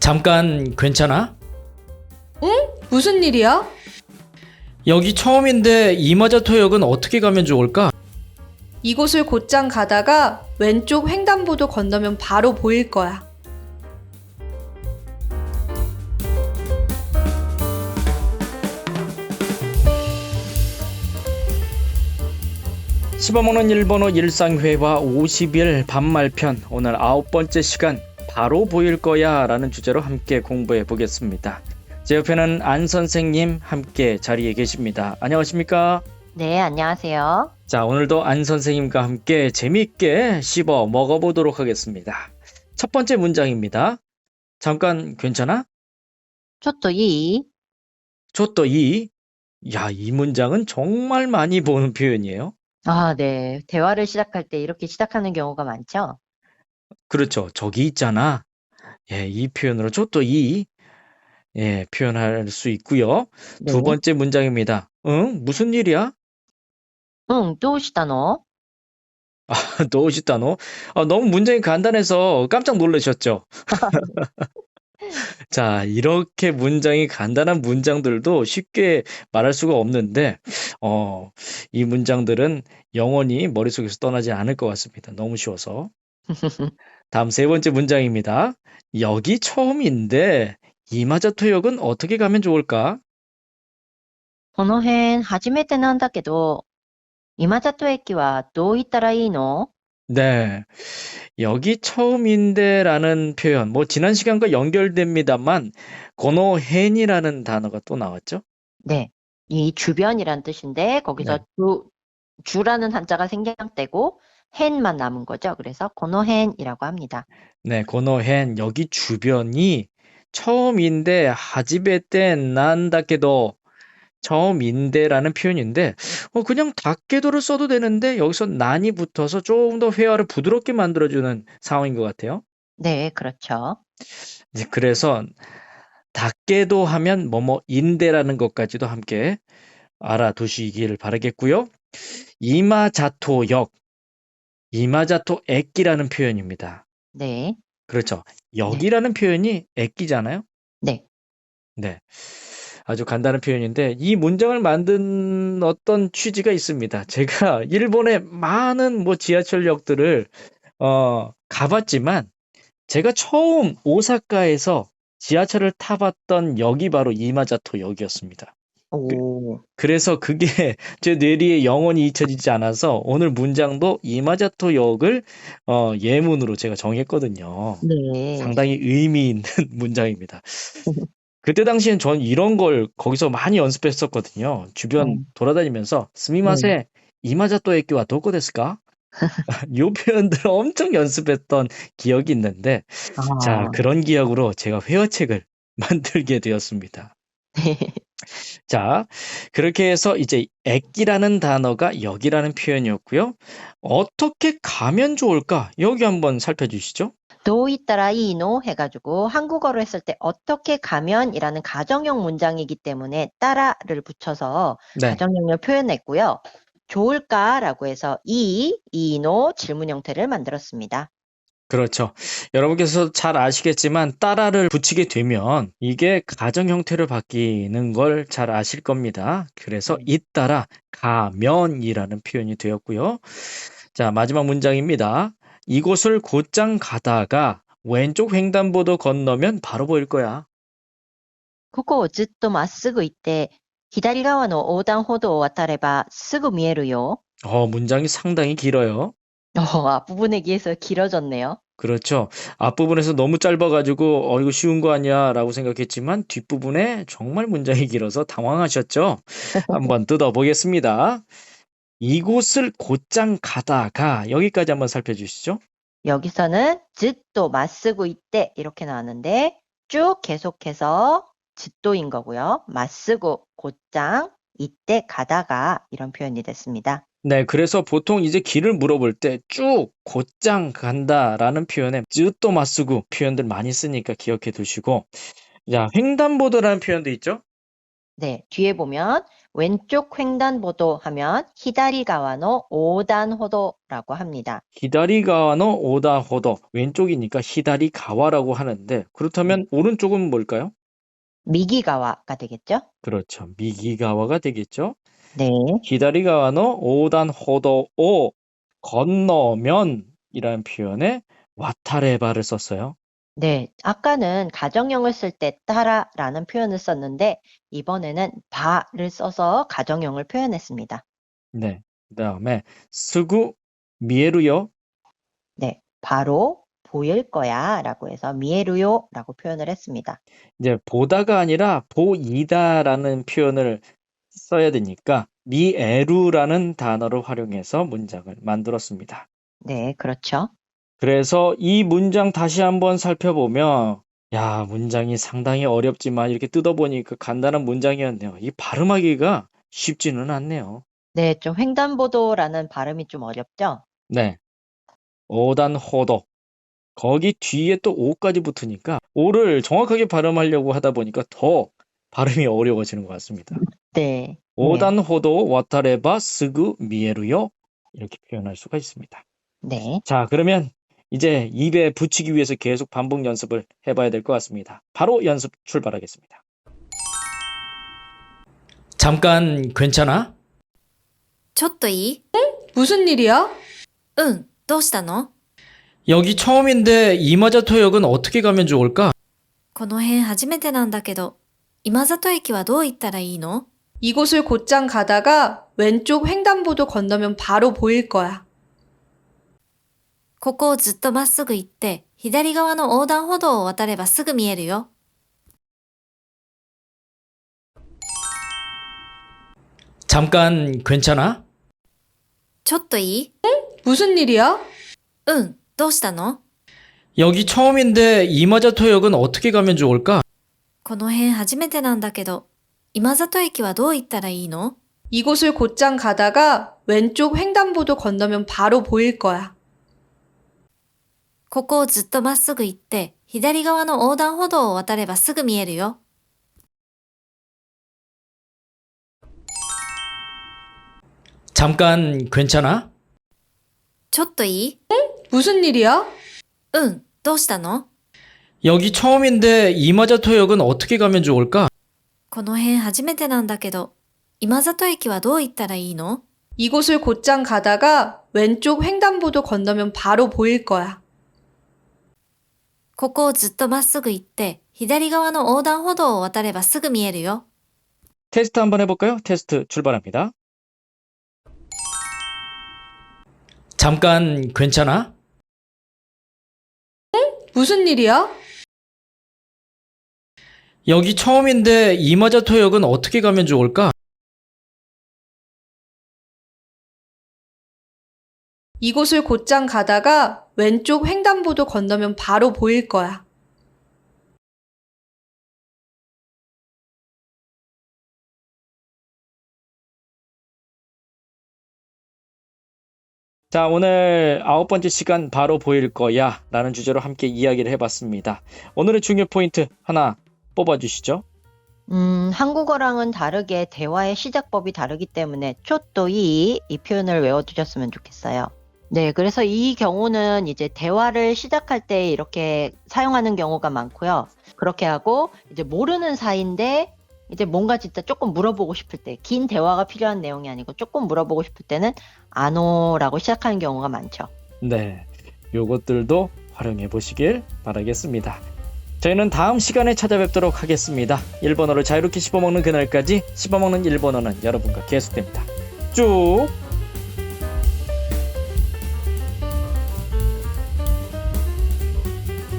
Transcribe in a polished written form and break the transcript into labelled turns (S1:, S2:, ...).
S1: 잠깐 괜찮아?
S2: 응? 무슨 일이야?
S1: 여기 처음인데 이마자토역은 어떻게 가면 좋을까?
S2: 이곳을 곧장 가다가 왼쪽 횡단보도 건너면 바로 보일 거야.
S1: 씹어먹는 일본어 일상회화 50일 반말편, 오늘 9번째 시간 바로 보일 거야 라는 주제로 함께 공부해 보겠습니다. 제 옆에는 안 선생님 함께 자리에 계십니다. 안녕하십니까?
S3: 네, 안녕하세요.
S1: 자, 오늘도 안 선생님과 함께 재미있게 씹어 먹어보도록 하겠습니다. 첫 번째 문장입니다. 잠깐 괜찮아?
S3: ちょっといい?
S1: 조또 이. 야, 이 문장은 정말 많이 보는 표현이에요.
S3: 아, 네. 대화를 시작할 때 이렇게 시작하는 경우가 많죠?
S1: 그렇죠. 저기 있잖아. 예, 이 표현으로 조또 이. 예, 표현할 수 있고요.
S3: 네.
S1: 두 번째 문장입니다. 응? 무슨 일이야?
S3: どうしたの?
S1: 너시다노? 너무 문장이 간단해서 깜짝 놀라셨죠? 자, 이렇게 문장이 간단한 문장들도 쉽게 말할 수가 없는데, 이 문장들은 영원히 머릿속에서 떠나지 않을 것 같습니다. 너무 쉬워서. 다음 세 번째 문장입니다. 여기 처음인데, 이마자토역은 어떻게 가면 좋을까?
S3: この辺初めてなんだけど、今里駅はどう行ったらいいの?
S1: 네. 여기 처음인데라는 표현, 뭐 지난 시간과 연결됩니다만, 고노헨이라는 단어가 또 나왔죠?
S3: 네. 이 주변이란 뜻인데, 거기서
S1: 네.
S3: 주라는 한자가 생략되고, hen만 남은 거죠. 그래서 고노헨이라고 합니다.
S1: 네, 고노헨, 여기 주변이 처음인데, 하지베테 난다케도, 처음인데라는 표현인데, 그냥 닦게도를 써도 되는데, 여기서 난이 붙어서 조금 더 회화를 부드럽게 만들어주는 상황인 것 같아요.
S3: 네, 그렇죠.
S1: 이제 그래서, 닦게도 하면 뭐뭐인데라는 것까지도 함께 알아두시기를 바라겠고요. 이마자토역, 이마자토액기라는 표현입니다.
S3: 네.
S1: 그렇죠. 역이라는 표현이 액기잖아요.
S3: 네.
S1: 네. 아주 간단한 표현인데 이 문장을 만든 어떤 취지가 있습니다. 제가 일본의 많은 지하철역들을 가봤지만 제가 처음 오사카에서 지하철을 타봤던 역이 바로 이마자토 역이었습니다.
S3: 오.
S1: 그래서 그게 제 뇌리에 영원히 잊혀지지 않아서 오늘 문장도 이마자토 역을 예문으로 제가 정했거든요.
S3: 네.
S1: 상당히 의미 있는 문장입니다. 그때 당시엔 전 이런 걸 거기서 많이 연습했었거든요. 주변 돌아다니면서 스미마세, 이마자토 에끼와 도코 데스까? 요 표현들을 엄청 연습했던 기억이 있는데 자, 그런 기억으로 제가 회화책을 만들게 되었습니다.
S3: 네.
S1: 자, 그렇게 해서 이제 액기라는 단어가 역이라는 표현이었고요. 어떻게 가면 좋을까? 여기 한번 살펴주시죠.
S3: どういったらいいの? 해가지고 한국어로 했을 때 어떻게 가면이라는 가정형 문장이기 때문에 따라를 붙여서
S1: 네.
S3: 가정형을 표현했고요. 좋을까라고 해서 이노 질문 형태를 만들었습니다.
S1: 그렇죠. 여러분께서 잘 아시겠지만 따라를 붙이게 되면 이게 가정 형태로 바뀌는 걸 잘 아실 겁니다. 그래서 잇따라 가면이라는 표현이 되었고요. 자, 마지막 문장입니다. 이곳을 곧장 가다가 왼쪽 횡단보도 건너면 바로 보일 거야.
S3: ここをずっとまっすぐ行って左側の横断歩道を渡ればすぐ見えるよ.
S1: 문장이 상당히 길어요.
S3: 앞부분에 비해서 길어졌네요.
S1: 그렇죠. 앞부분에서 너무 짧아가지고 이거 쉬운 거 아니야 라고 생각했지만 뒷부분에 정말 문장이 길어서 당황하셨죠? 한번 뜯어보겠습니다. 이곳을 곧장 가다가 여기까지 한번 살펴주시죠.
S3: 여기서는 ずっとまっすぐ行って 이렇게 나왔는데 쭉 계속해서 ずっと인 거고요. まっすぐ 곧장 이때 가다가 이런 표현이 됐습니다.
S1: 네, 그래서 보통 이제 길을 물어볼 때 쭉 곧장 간다라는 표현에 쯔또 마쓰구 표현들 많이 쓰니까 기억해 두시고 자, 횡단보도라는 표현도 있죠?
S3: 네, 뒤에 보면 왼쪽 횡단보도 하면 히다리가와노 오단호도라고 합니다.
S1: 히다리가와노 오다호도, 왼쪽이니까 히다리가와라고 하는데, 그렇다면 오른쪽은 뭘까요?
S3: 미기가와가 되겠죠?
S1: 그렇죠. 미기가와가 되겠죠.
S3: 네.
S1: 히다리가와노 오단호도오, 건너면이라는 표현에 와타레바를 썼어요.
S3: 네. 아까는 가정형을 쓸 때 따라라는 표현을 썼는데 이번에는 바를 써서 가정형을 표현했습니다.
S1: 네. 그다음에 스구 미에루요.
S3: 네. 바로 보일 거야 라고 해서 미에루요 라고 표현을 했습니다.
S1: 이제 보다가 아니라 보이다라는 표현을 써야 되니까 미에루라는 단어를 활용해서 문장을 만들었습니다.
S3: 네. 그렇죠.
S1: 그래서 이 문장 다시 한번 살펴보면 야, 문장이 상당히 어렵지만 이렇게 뜯어보니까 간단한 문장이었네요. 이 발음하기가 쉽지는 않네요.
S3: 네. 좀 횡단보도라는 발음이 좀 어렵죠?
S1: 네. 오단호도. 거기 뒤에 또 오까지 붙으니까 오를 정확하게 발음하려고 하다 보니까 더 발음이 어려워지는 것 같습니다.
S3: 네.
S1: 오단호도 와타레바 스구 미에루요. 이렇게 표현할 수가 있습니다.
S3: 네.
S1: 자, 그러면 이제 입에 붙이기 위해서 계속 반복 연습을 해봐야 될 것 같습니다. 바로 연습 출발하겠습니다. 잠깐 괜찮아?
S4: ちょっといい？
S2: 무슨 일이야?
S4: うん、どうしたの？
S1: 여기 처음인데 이마자토역은 어떻게 가면 좋을까?
S4: この辺初めてなんだけど、今里駅はどう行ったらいいの？
S2: 이곳을 곧장 가다가 왼쪽 횡단보도 건너면 바로 보일 거야.
S4: ここをずっとまっすぐ行って、左側の横断歩道を渡ればすぐ見えるよ。
S1: 잠깐 괜찮아?
S4: ちょっといい？
S2: 무슨 일이야?
S4: うん、どうしたの？
S1: 여기 처음인데 이마자토역은 어떻게 가면 좋을까?
S4: この辺初めてなんだけど、今里駅はどう行ったらいいの？
S2: 이곳을 곧장 가다가 왼쪽 횡단보도 건너면 바로 보일 거야.
S4: ここをずっとまっすぐ行って、左側の横断歩道を渡ればすぐ見えるよ。
S1: 잠깐 괜찮아?
S4: ちょっといい？
S2: 무슨 일이야?
S4: うん、どうしたの？
S1: 여기 처음인데 이마자토역은 어떻게 가면 좋을까?
S4: この辺初めてなんだけど、今里駅はどう行ったらいいの？
S2: 이곳을 곧장 가다가 왼쪽 횡단보도 건너면 바로 보일 거야.
S4: ここをずっとまっすぐ行って、左側の横断歩道を渡ればすぐ見えるよ。
S1: 테스트 한번 해볼까요? 테스트 출발합니다. 잠깐 괜찮아?
S2: 무슨 일이야?
S1: 여기 처음인데 이마자토역은 어떻게 가면 좋을까?
S2: 이곳을 곧장 가다가 왼쪽 횡단보도 건너면 바로 보일 거야.
S1: 자, 오늘 9번째 시간 바로 보일 거야 라는 주제로 함께 이야기를 해봤습니다. 오늘의 중요 포인트 하나 뽑아주시죠.
S3: 한국어랑은 다르게 대화의 시작법이 다르기 때문에 초또이 이 표현을 외워두셨으면 좋겠어요. 네, 그래서 이 경우는 이제 대화를 시작할 때 이렇게 사용하는 경우가 많고요. 그렇게 하고 이제 모르는 사이인데 이제 뭔가 진짜 조금 물어보고 싶을 때, 긴 대화가 필요한 내용이 아니고 조금 물어보고 싶을 때는 아노라고 시작하는 경우가 많죠.
S1: 네, 요것들도 활용해 보시길 바라겠습니다. 저희는 다음 시간에 찾아뵙도록 하겠습니다. 일본어를 자유롭게 씹어먹는 그날까지 씹어먹는 일본어는 여러분과 계속됩니다. 쭉